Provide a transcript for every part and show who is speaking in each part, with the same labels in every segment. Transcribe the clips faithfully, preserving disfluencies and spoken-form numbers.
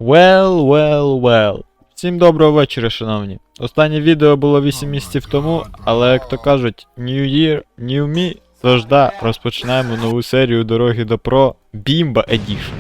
Speaker 1: Well, well, well. Всім доброго вечора, шановні. Останнє відео було вісім місяців тому, але, як то кажуть, New Year, New Me. Тож да, розпочинаємо нову серію Дороги до Про Бімба Edition.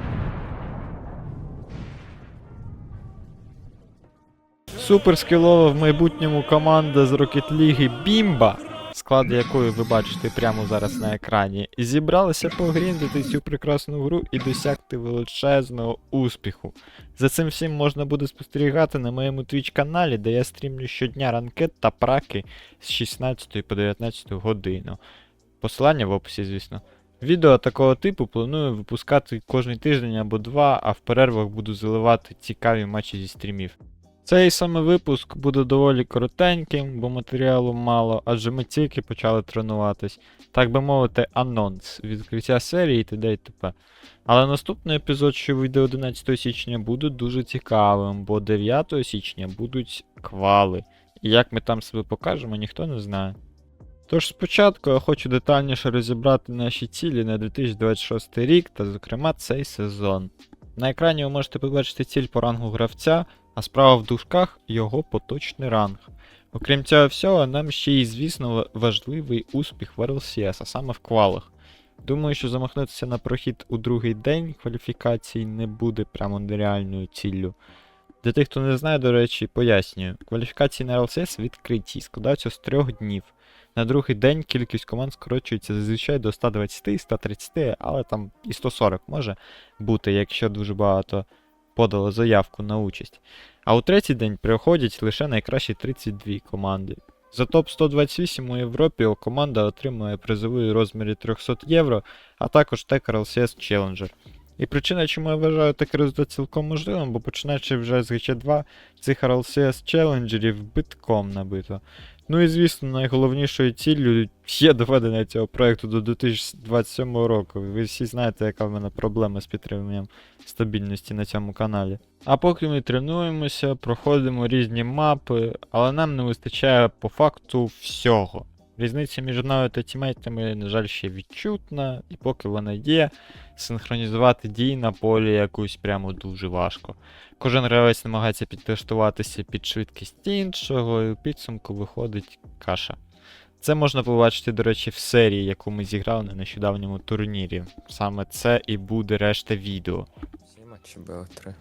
Speaker 1: Суперскілова в майбутньому команда з Rocket League Бімба, склад якої ви бачите прямо зараз на екрані, зібралися погріндити цю прекрасну гру і досягти величезного успіху. За цим всім можна буде спостерігати на моєму Twitch каналі, де я стрімлю щодня ранкет та праки з шістнадцятої по дев'ятнадцяту годину. Посилання в описі, звісно. Відео такого типу планую випускати кожен тиждень або два, а в перервах буду заливати цікаві матчі зі стрімів. Цей саме випуск буде доволі коротеньким, бо матеріалу мало, адже ми тільки почали тренуватись. Так би мовити, анонс, відкриття серії і т.д. і т.п. Але наступний епізод, що вийде одинадцятого січня, буде дуже цікавим, бо дев'ятого січня будуть квали. І як ми там себе покажемо, ніхто не знає. Тож спочатку я хочу детальніше розібрати наші цілі на дві тисячі двадцять шостий рік та, зокрема, цей сезон. На екрані ви можете побачити ціль по рангу гравця, а справа в дужках його поточний ранг. Окрім цього всього, нам ще й, звісно, важливий успіх в ар ел сі ес, а саме в квалах. Думаю, що замахнутися на прохід у другий день кваліфікацій не буде прямо нереальною ціллю. Для тих, хто не знає, до речі, пояснюю. Кваліфікації на ар ел сі ес відкриті, складаються з трьох днів. На другий день кількість команд скорочується зазвичай до ста двадцяти - ста тридцяти, але там і сто сорок може бути, якщо дуже багато подало заявку на участь. А у третій день приходять лише найкращі тридцять дві команди. За топ сто двадцять вісім у Європі команда отримує призовий у розмірі триста євро, а також тег ар ел сі ес Challenger. І причина, чому я вважаю такий результат цілком можливим, бо починаючи вже з ГЧ два, цих ар ел сі ес Challengerів битком набито. Ну і звісно, найголовнішою ціллю є доведення цього проєкту до дві тисячі двадцять сьомого року. Ви всі знаєте, яка в мене проблема з підтриманням стабільності на цьому каналі. А поки ми тренуємося, проходимо різні мапи, але нам не вистачає по факту всього. Різниця між мною та тімейтами, на жаль, ще відчутна, і поки вона є, синхронізувати дії на полі якусь прямо дуже важко. Кожен гравець намагається підлаштуватися під швидкість іншого, і у підсумку виходить каша. Це можна побачити, до речі, в серії, яку ми зіграли на нещодавньому турнірі. Саме це і буде решта відео.
Speaker 2: Всі матчі бе о три.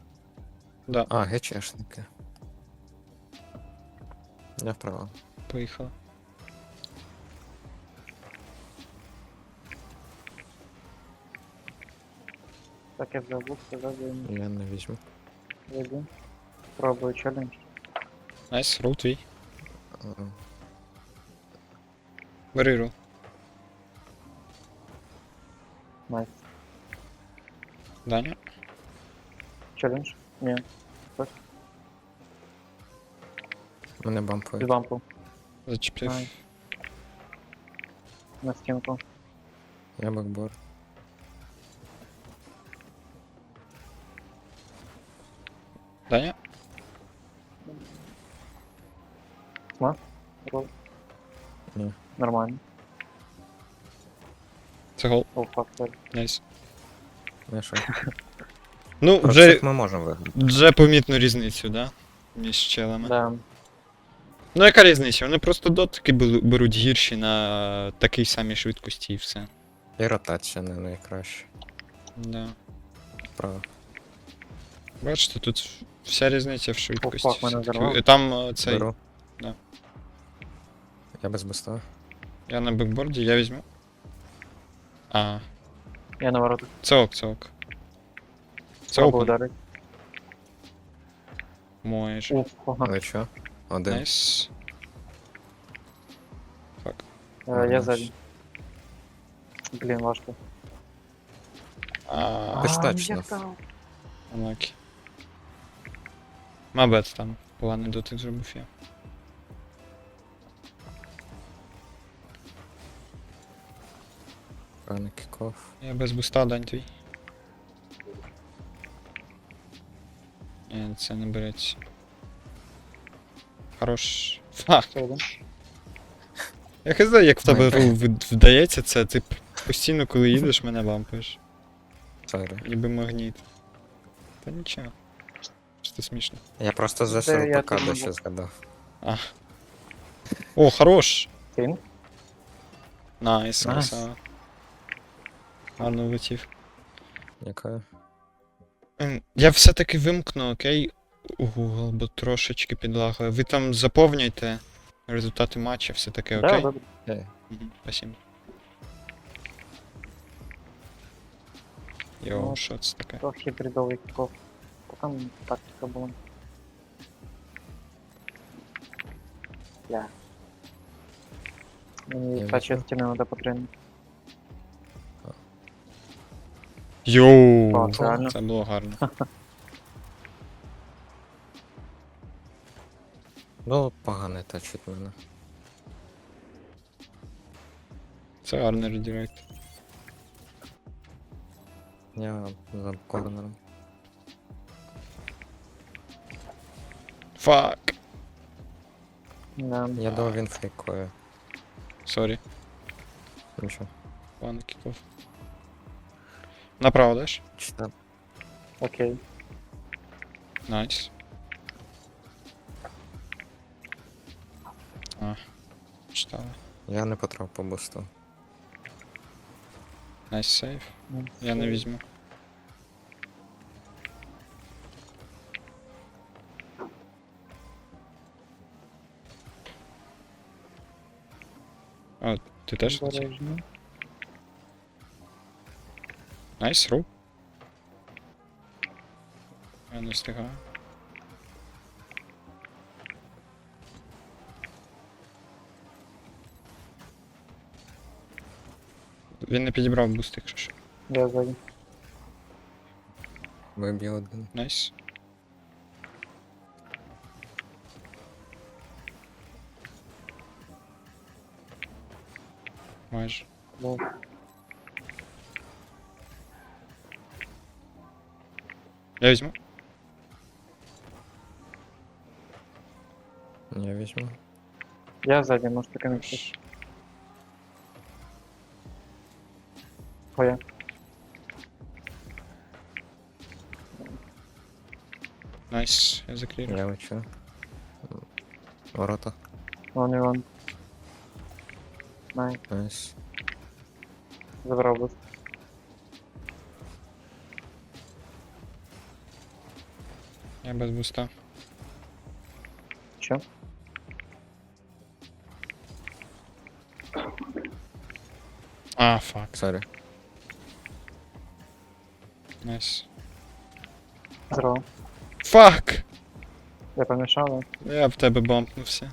Speaker 1: Да.
Speaker 2: А, ГЧшники. Я вправо.
Speaker 1: Поїхали.
Speaker 3: Так, я взял бук, сказал, я
Speaker 2: Я не візьму.
Speaker 3: не войду. Пробую челлендж.
Speaker 1: Найс, рул твій.
Speaker 2: А,
Speaker 1: Бери рул.
Speaker 3: Найс.
Speaker 1: Даня.
Speaker 3: Челлендж? Не,
Speaker 2: Мене бампує.
Speaker 3: без лампу.
Speaker 1: Зачепив.
Speaker 3: Найс. На стенку.
Speaker 2: Я бакбор.
Speaker 1: Даня.
Speaker 3: Сма? Рол.
Speaker 2: Ні.
Speaker 3: Нормально.
Speaker 1: Це гол.
Speaker 3: О, фак, sorry.
Speaker 1: Найс.
Speaker 2: Не що.
Speaker 1: Ну,
Speaker 2: Про
Speaker 1: вже,
Speaker 2: всіх ми можемо виграти.
Speaker 1: вже помітну різницю, да? Між челами.
Speaker 3: Да.
Speaker 1: Ну яка різниця? Вони просто дотики бел- беруть гірші на такій самій швидкості і все.
Speaker 2: І ротація не найкраща.
Speaker 1: Да.
Speaker 2: Вправо.
Speaker 1: Бачите, тут вся різниця в швидкості.
Speaker 3: О, фак, мене
Speaker 1: все-таки.
Speaker 3: взорвав.
Speaker 1: Там е, цей.
Speaker 2: Беру.
Speaker 1: Да.
Speaker 2: Я без буста.
Speaker 1: Я на бекборді, я візьму. А,
Speaker 3: Я на воротах.
Speaker 1: це ок, це ок. Це
Speaker 3: Пробую
Speaker 1: опен.
Speaker 3: ударить.
Speaker 1: Можеш.
Speaker 3: Уф, ага.
Speaker 2: Але що? Один.
Speaker 1: Найс. Фак.
Speaker 3: Э, Я сзади. Блин, важко.
Speaker 1: А,
Speaker 2: Достатньо.
Speaker 1: Unlucky. Мабет там. Поганий дотик зробив я.
Speaker 2: Правильно кіков.
Speaker 1: Я без буста, дань твій. Ні, це не береться. Хорош. Фак. Я хз, як в тебе рул вд- вдається це, ти постійно, коли їдеш, мене лампаєш.
Speaker 2: Сорі.
Speaker 1: Ніби магніт. Та нічого. просто смішно.
Speaker 2: Я просто за
Speaker 3: Це я
Speaker 2: СРПК
Speaker 3: тут
Speaker 2: досі
Speaker 3: можу.
Speaker 2: згадав.
Speaker 1: А. О, хорош!
Speaker 3: Тин?
Speaker 1: Найс,
Speaker 3: Найс.
Speaker 1: красава. Гарно влетів.
Speaker 2: Яка?
Speaker 1: Ем, Я все-таки вимкну, окей, Google, бо трошечки підлагою. Ви там заповнюйте результати матча, все таке,
Speaker 3: Да,
Speaker 1: окей?
Speaker 3: добре.
Speaker 2: Е,
Speaker 1: Мгм, спасибо. Йоу,
Speaker 3: Ну,
Speaker 1: що це таке?
Speaker 3: Трохи бредовий кіков. Та там тактика була. Бля. Мені
Speaker 2: Я
Speaker 3: та
Speaker 2: візьму.
Speaker 3: частина треба потрібна.
Speaker 1: Йоу!
Speaker 3: О, це реально.
Speaker 1: Це було гарно.
Speaker 2: Ну, погано тачить мене.
Speaker 1: Це гарний редирект.
Speaker 2: Я за корнером.
Speaker 1: Фак!
Speaker 3: Да.
Speaker 2: Я думав, він фейкує.
Speaker 1: Сорі,
Speaker 2: Нічого.
Speaker 1: пан кіков. Направо даш?
Speaker 2: Чи там?
Speaker 3: Окей.
Speaker 1: Найс. А, читали.
Speaker 2: Я не потрапив по бусту.
Speaker 1: Найс сейф.
Speaker 3: Ну,
Speaker 1: Я не візьму. А, ти теж на цій?
Speaker 3: Обережно.
Speaker 1: Найс, ру. Я не встигаю. Він не підібрав буст, якщо що.
Speaker 3: Я ззаді.
Speaker 2: Виб'ю один.
Speaker 1: Найс. Майже.
Speaker 3: Ну,
Speaker 1: Я візьму.
Speaker 2: Я візьму.
Speaker 3: я ззаді, може таки не вчиш. Твоя.
Speaker 1: Найс, я закрив.
Speaker 2: Я вичу. Ворота.
Speaker 3: Вон і вон. Най,
Speaker 2: Найс.
Speaker 3: забрав буст.
Speaker 1: Я без буста.
Speaker 3: Що?
Speaker 1: А, фак.
Speaker 2: Сорі.
Speaker 1: Найс.
Speaker 3: Здорово.
Speaker 1: Фак!
Speaker 3: Я помішав,
Speaker 1: Я в тебе бомпнувся.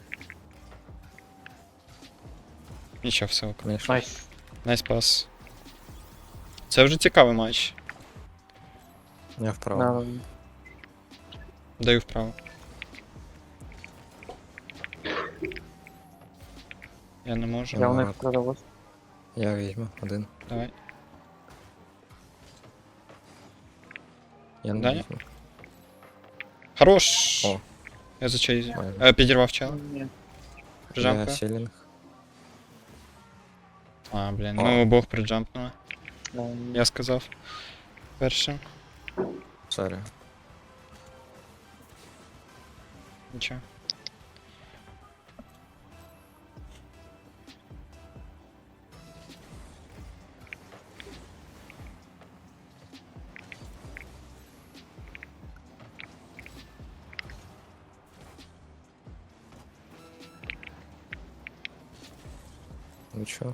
Speaker 1: Нічого, все ок.
Speaker 2: Конечно.
Speaker 3: найс.
Speaker 1: Найс пас. Це вже цікавий матч.
Speaker 2: Я вправо.
Speaker 3: На,
Speaker 1: Даю вправо. Я не можу.
Speaker 3: я у них
Speaker 2: Ладно.
Speaker 3: продав буст.
Speaker 2: Я візьму один.
Speaker 1: Давай.
Speaker 2: Я не
Speaker 1: Даня?
Speaker 2: візьму.
Speaker 1: Хорош!
Speaker 2: О.
Speaker 1: Я за чейзі.
Speaker 2: Майже.
Speaker 1: Е, підірвав чел.
Speaker 3: Ні.
Speaker 2: Я
Speaker 1: Прижамка.
Speaker 2: сілінг.
Speaker 1: А, блін,
Speaker 2: О.
Speaker 1: ми обох приджампнули.
Speaker 3: Да,
Speaker 1: Я сказав. Першим.
Speaker 2: Сорі.
Speaker 1: Нічого.
Speaker 2: Нічого.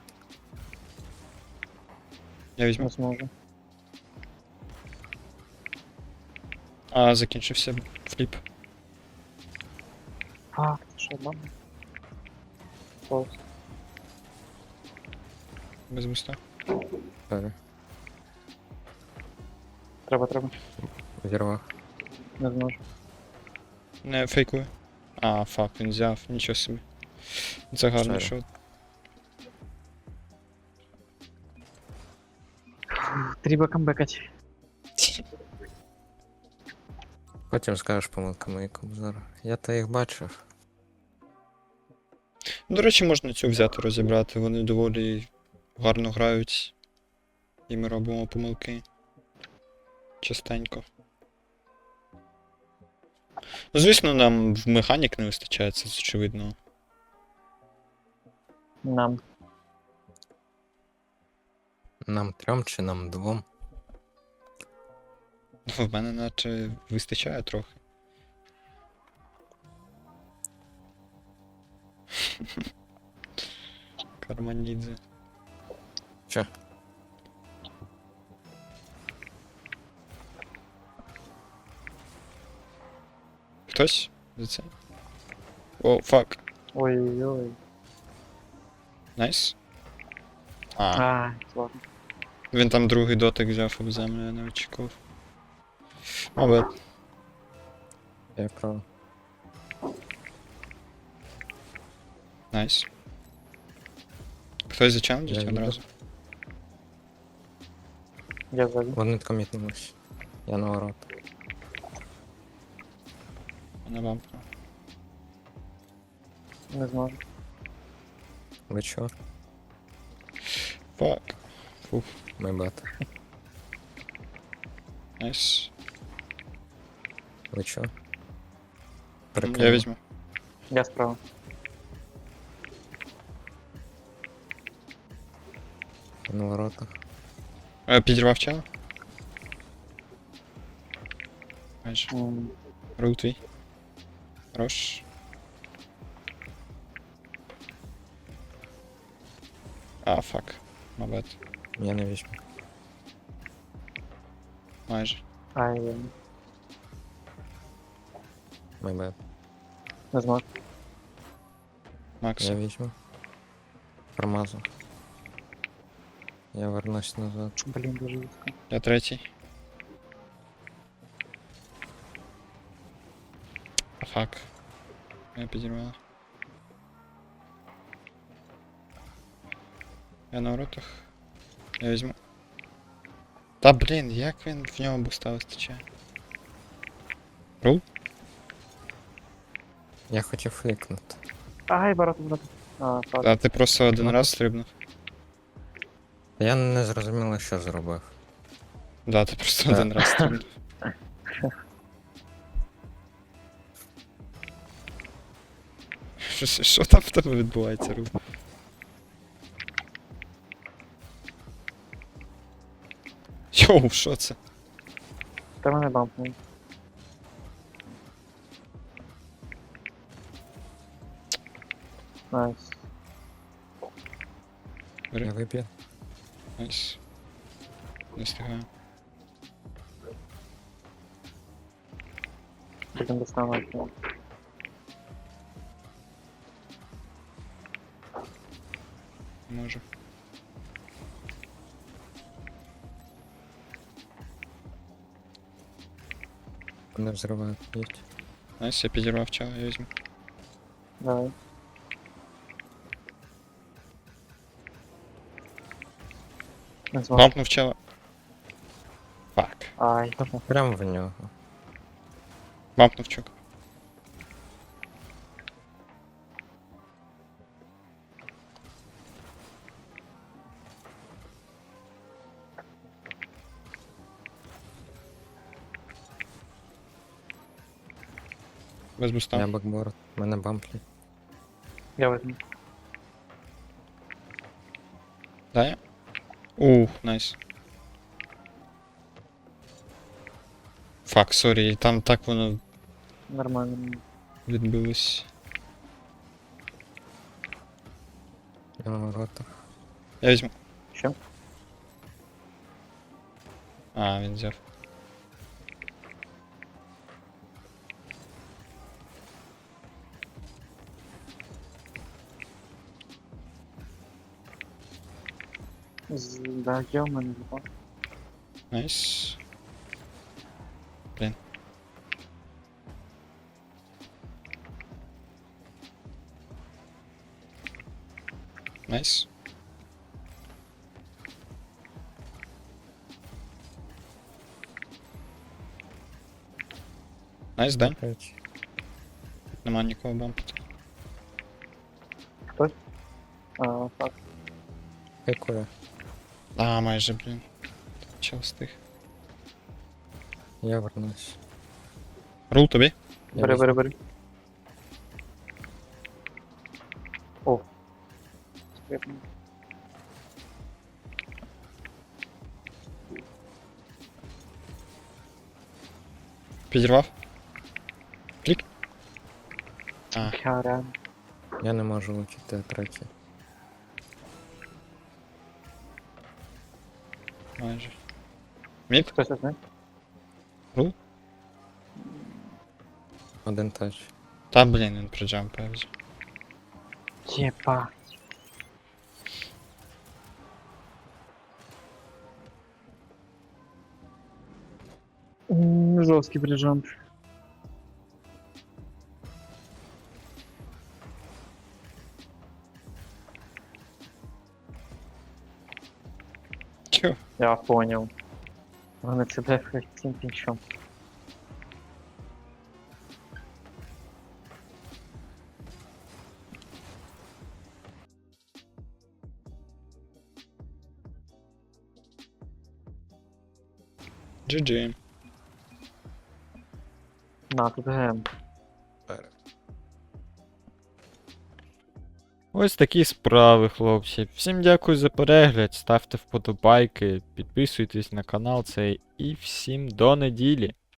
Speaker 1: Я візьму.
Speaker 3: не зможу.
Speaker 1: А, закінчився фліп.
Speaker 3: А, це що, мама? Ось.
Speaker 1: Без буста.
Speaker 2: Сорі.
Speaker 3: Треба, треба.
Speaker 2: Зірвав.
Speaker 3: Не зможу.
Speaker 1: Не фейкую. А, фак, він взяв, нічого собі. Це гарний
Speaker 2: Сорі.
Speaker 1: шот.
Speaker 3: Треба камбекати.
Speaker 2: Потім скажеш помилка мої кобзар. Я то їх бачив.
Speaker 1: До речі, можна цю взяти розібрати, вони доволі гарно грають. І ми робимо помилки. Частенько. Ну, звісно, нам в механік не вистачає, це з очевидного.
Speaker 3: Нам.
Speaker 2: Нам трьом чи нам двом?
Speaker 1: Ну, в мене наче вистачає трохи. Карманідзе.
Speaker 2: Че?
Speaker 1: Хтось? За це? О, фак.
Speaker 3: Ой-ой-ой.
Speaker 1: Найс. А,
Speaker 3: А, ладно.
Speaker 1: він там другий дотик взяв об землю, я не очікував. Мабуть.
Speaker 2: Я прав.
Speaker 1: Найс. Хтось зачеленджить
Speaker 2: Я
Speaker 1: одразу?
Speaker 3: Я сзади.
Speaker 2: Вони комітнулись. Я на ворот.
Speaker 1: Не вам.
Speaker 3: Не зможу.
Speaker 2: Ви чо?
Speaker 1: Фак. Фух,
Speaker 2: Май бат.
Speaker 1: найс.
Speaker 2: Ви чо?
Speaker 1: Я візьму.
Speaker 3: Я справа.
Speaker 2: Я на воротах.
Speaker 1: Е, Підірвав чело? Майже.
Speaker 3: М,
Speaker 1: Рул твій. Хорош. А, фак. Мабуть.
Speaker 2: Я не візьму.
Speaker 1: Майже.
Speaker 3: Ай,
Speaker 2: Май бат.
Speaker 3: не зможу.
Speaker 1: Макс.
Speaker 2: Я візьму. Промазав. Я вернусь назад.
Speaker 3: Блин, дуже близько.
Speaker 1: Я третій. А, фак. Я підірвала. Я на воротах. Я візьму. Та блін, як він в нього буста вистачає? Рул?
Speaker 2: Я хотів флікнути.
Speaker 3: Ай, ворота, ворота. А, так.
Speaker 1: А ти просто один
Speaker 2: Ну.
Speaker 1: раз стрибнув.
Speaker 2: Я не зрозуміло, що зробив.
Speaker 1: Да, ти просто
Speaker 2: Так.
Speaker 1: один раз стрибнув. Що, що там в тебе відбувається, Рул? Йоу, що це?
Speaker 3: Та мене бампнув. Найс.
Speaker 1: Бери.
Speaker 2: Я виб'ю.
Speaker 1: Найс. Не встигаю.
Speaker 3: Будем доставати.
Speaker 1: Не можу.
Speaker 2: Не взривають. Їдь.
Speaker 1: Найс, я підірвав чого, я візьму.
Speaker 3: Давай. Не зможу.
Speaker 1: Бампнув чела. Фак.
Speaker 3: Ай.
Speaker 2: Прям в нього.
Speaker 1: Бампнув чок. Без буста.
Speaker 2: Я бакборд. Мене бамплі.
Speaker 3: Я возьму.
Speaker 1: Да я? Ух, найс. Фак, сорі, там так воно
Speaker 3: Нормально.
Speaker 1: відбилось.
Speaker 2: Я на воротах.
Speaker 1: Я візьму.
Speaker 3: Що?
Speaker 1: А, він взяв.
Speaker 3: З... Да, є в мене два.
Speaker 1: Найс. Блін. Найс. Найс, да?
Speaker 2: Опять.
Speaker 1: Нема нікого бампити.
Speaker 3: Хтось? А, так.
Speaker 2: Хайкує.
Speaker 1: А, майже, блін. Чел встиг.
Speaker 2: Я вернусь.
Speaker 1: Рул тобі?
Speaker 2: Я
Speaker 3: Бери,
Speaker 2: візьму.
Speaker 3: бери, бери. О. Стрибну.
Speaker 1: Підірвав? Клік. А,
Speaker 3: Я реально.
Speaker 2: Я не можу летіти третій.
Speaker 1: майже. Мід?
Speaker 3: Хтось одне?
Speaker 2: Один тач.
Speaker 1: Та блін, він приджампає вже.
Speaker 3: Єба. М, Жорсткий прижамп.
Speaker 1: Чо?
Speaker 3: Я понял. Вони тебе цим пінчом.
Speaker 1: джі джі.
Speaker 3: На, тут гем.
Speaker 1: Ось такі справи, хлопці. Всім дякую за перегляд, ставте вподобайки, підписуйтесь на канал цей і всім до неділі.